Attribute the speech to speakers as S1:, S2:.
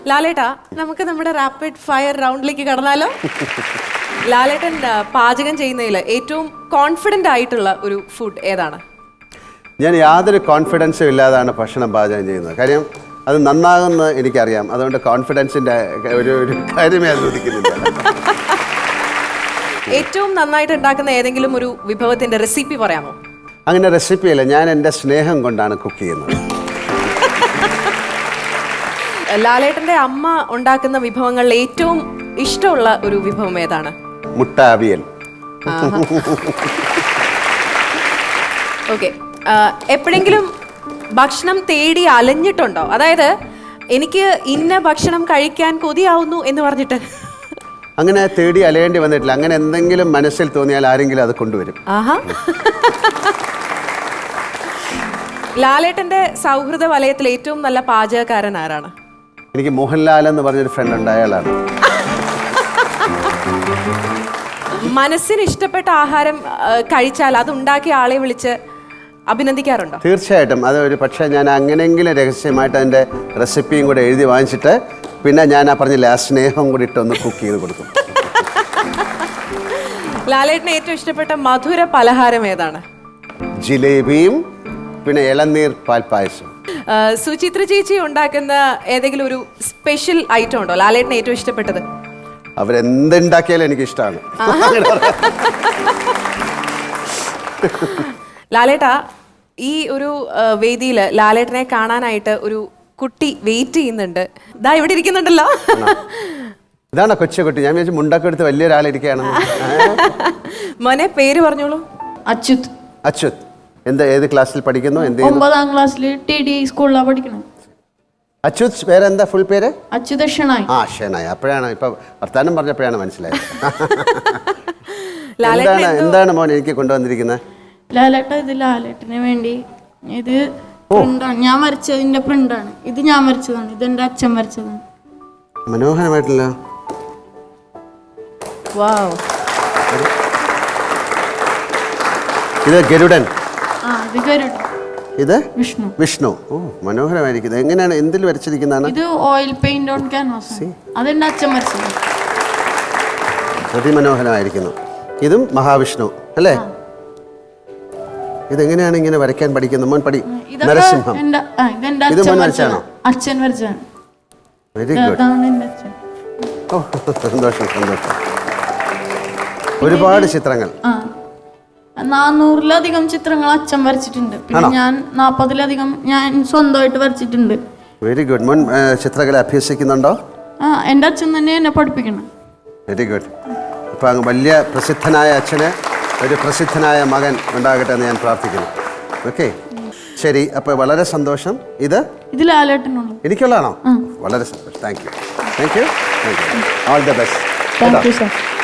S1: ലാലേട്ടാ, നമുക്ക് നമ്മുടെ rapid fire റൗണ്ടിലേക്ക് കടന്നാലോ? ലാലേട്ടൻ പാചകം ചെയ്യുന്നതിൽ ഏറ്റവും കോൺഫിഡൻ്റ് ആയിട്ടുള്ള ഒരു ഫുഡ് ഏതാണ്?
S2: ഞാൻ യാതൊരു കോൺഫിഡൻസും ഇല്ലാതാണ് ഭക്ഷണം പാചകം ചെയ്യുന്നത്. കാര്യം അത് നന്നാകുമെന്ന് എനിക്കറിയാം. അതുകൊണ്ട് കോൺഫിഡൻസിൻ്റെ ഒരു കാര്യമേ അനുവദിക്കുന്നില്ല.
S1: ഏറ്റവും നന്നായിട്ട് ഉണ്ടാക്കുന്ന ഏതെങ്കിലും ഒരു വിഭവത്തിന്റെ റെസിപ്പി പറയാമോ?
S2: അങ്ങനെ റെസിപ്പിയല്ല, ഞാൻ എൻ്റെ സ്നേഹം കൊണ്ടാണ് കുക്ക് ചെയ്യുന്നത്.
S1: ലാലേട്ടന്റെ അമ്മ ഉണ്ടാക്കുന്ന വിഭവങ്ങളിൽ ഏറ്റവും ഇഷ്ടമുള്ള ഒരു വിഭവം ഏതാണ്?
S2: മുട്ട അവിയൽ.
S1: ഓക്കെ, എപ്പോഴെങ്കിലും ഭക്ഷണം തേടി അലഞ്ഞിട്ടുണ്ടോ? അതായത് എനിക്ക് ഇന്ന ഭക്ഷണം കഴിക്കാൻ കൊതിയാവുന്നു എന്ന് പറഞ്ഞിട്ട്.
S2: അങ്ങനെ തേടി അലയേണ്ടി വന്നിട്ടില്ല. അങ്ങനെ എന്തെങ്കിലും മനസ്സിൽ തോന്നിയാൽ ആരെങ്കിലും അത് കൊണ്ടുവരും.
S1: ആഹാ. ലാലേട്ടന്റെ സൗഹൃദ വലയത്തിൽ ഏറ്റവും നല്ല പാചകക്കാരൻ ആരാണ്?
S2: എനിക്ക് മോഹൻലാൽ എന്ന് പറഞ്ഞൊരു ഫ്രണ്ട് ഉണ്ട്, അയാളാണ്.
S1: മനസ്സിന് ഇഷ്ടപ്പെട്ട ആഹാരം കഴിച്ചാൽ അത് ഉണ്ടാക്കിയ ആളെ വിളിച്ച് അഭിനന്ദിക്കാറുണ്ടോ?
S2: തീർച്ചയായിട്ടും. അത് ഒരു പക്ഷേ ഞാൻ അങ്ങനെയെങ്കിലും രഹസ്യമായിട്ട് അതിൻ്റെ റെസിപ്പിയും കൂടെ എഴുതി വാങ്ങിച്ചിട്ട് പിന്നെ ഞാൻ പറഞ്ഞില്ല ആ സ്നേഹം കൂടി ഇട്ടൊന്ന് കുക്ക് ചെയ്ത് കൊടുക്കും.
S1: ലാലേട്ടന് ഏറ്റവും ഇഷ്ടപ്പെട്ട മധുര പലഹാരം ഏതാണ്?
S2: ജിലേബിയും പിന്നെ ഇളനീർ പാൽപ്പായസം.
S1: സുചിത്ര ചേച്ചി ഉണ്ടാക്കുന്ന ഏതെങ്കിലും ഒരു സ്പെഷ്യൽ ഐറ്റം ഉണ്ടോ ലാലേട്ടന് ഏറ്റവും ഇഷ്ടപ്പെട്ടത്?
S2: അവരെന്തുണ്ടാക്കിയാലും എനിക്ക് ഇഷ്ടമാണ്.
S1: ലാലേട്ടാ, ഈ ഒരു വേദിയിൽ ലാലേട്ടനെ കാണാനായിട്ട് ഒരു കുട്ടി വെയിറ്റ് ചെയ്യുന്നുണ്ട്. ഇതാ ഇവിടെ ഇരിക്കുന്നുണ്ടല്ലോ.
S2: ഇതാണോ കൊച്ചുകുട്ടി? ഞാൻ വിചാരിച്ചു മുണ്ടൊക്കെ എടുത്ത് വലിയൊരാളിരിക്കുകയാണെന്ന്.
S1: മോനെ, പേര് പറഞ്ഞോളൂ.
S3: അച്യുത്.
S2: അച്യുത്. ഏത് ക്ലാസ്സിൽ പഠിക്കുന്നു?
S3: 9ാം ക്ലാസ്സിൽ TD സ്കൂളിലാണ് പഠിക്കുന്നത്.
S2: അച്യുത് പേര് എന്താ? ഫുൾ പേര്?
S3: അച്യുത് ഷെണായി.
S2: ഷെണായി. അപ്പോഴാണ് ഇപ്പൊ വർത്താനം പറഞ്ഞപ്പോഴാണ് മനസ്സിലായത്. എന്താണ് മോൻ എനിക്ക് കൊണ്ടുവന്നിരിക്കുന്നത്?
S3: ലാലേട്ട, ഇത് ലാലേട്ടന് വേണ്ടി ഇത് പ്രിന്റാണ്. ഞാൻ വരച്ചതിന്റെ പ്രിന്റാണ്. ഇത് ഞാൻ വരച്ചതാണ്. ഇത് എന്റെ അച്ഛൻ വരച്ചതാണ്.
S2: മനോഹരമായിട്ടില്ല. ഇത് ഗരുഡൻ. ഇത് വിഷ്ണു. വിഷ്ണു. ഓ, മനോഹരമായിരിക്കുന്നത്. എങ്ങനെയാണ്, എന്തിൽ വരച്ചിരിക്കുന്നതാണ്?
S3: ഇത് ഓയിൽ പെയിന്റ് ഓൺ ക്യാൻവാസ്. അതെന്റെ അച്ഛൻ വരച്ചത്.
S2: അതിമനോഹരമായിരിക്കുന്നു. ഇതും മഹാവിഷ്ണു അല്ലേ? ഇതെങ്ങനെയാണ് ഇങ്ങനെ വരയ്ക്കാൻ പഠിക്കുന്നത്? മോൻ പഠി. നരസിംഹം. ഇത് മോൻ വരച്ചാണോ?
S3: അച്ഛൻ വരച്ചാണ്.
S2: Very good. ഓ, സന്തോഷം സന്തോഷം. ഒരുപാട് ചിത്രങ്ങൾ.
S3: 400-ലധികം ചിത്രങ്ങൾ അച്ഛൻ വരച്ചിട്ടുണ്ട്. പിന്നെ ഞാൻ 40-ലധികം ഞാൻ സ്വന്തമായിട്ട് വരച്ചിട്ടുണ്ട്.
S2: Very good. മോൻ ചിത്രകല അഭ്യസിക്കുന്നുണ്ടോ?
S3: എൻ്റെ അച്ഛൻ തന്നെ എന്നെ പഠിപ്പിക്കണം.
S2: Very good. അപ്പം വലിയ പ്രസിദ്ധനായ അച്ഛന് ഒരു പ്രസിദ്ധനായ മകൻ ഉണ്ടാകട്ടെ എന്ന് ഞാൻ പ്രാർത്ഥിക്കുന്നു. ഓക്കെ, ശരി. അപ്പോൾ വളരെ സന്തോഷം. ഇത്
S3: ലാലേട്ടനുള്ളൂ.
S2: എനിക്കുള്ളതാണോ? വളരെ സന്തോഷം. Thank you. All the best.
S3: Thank you sir.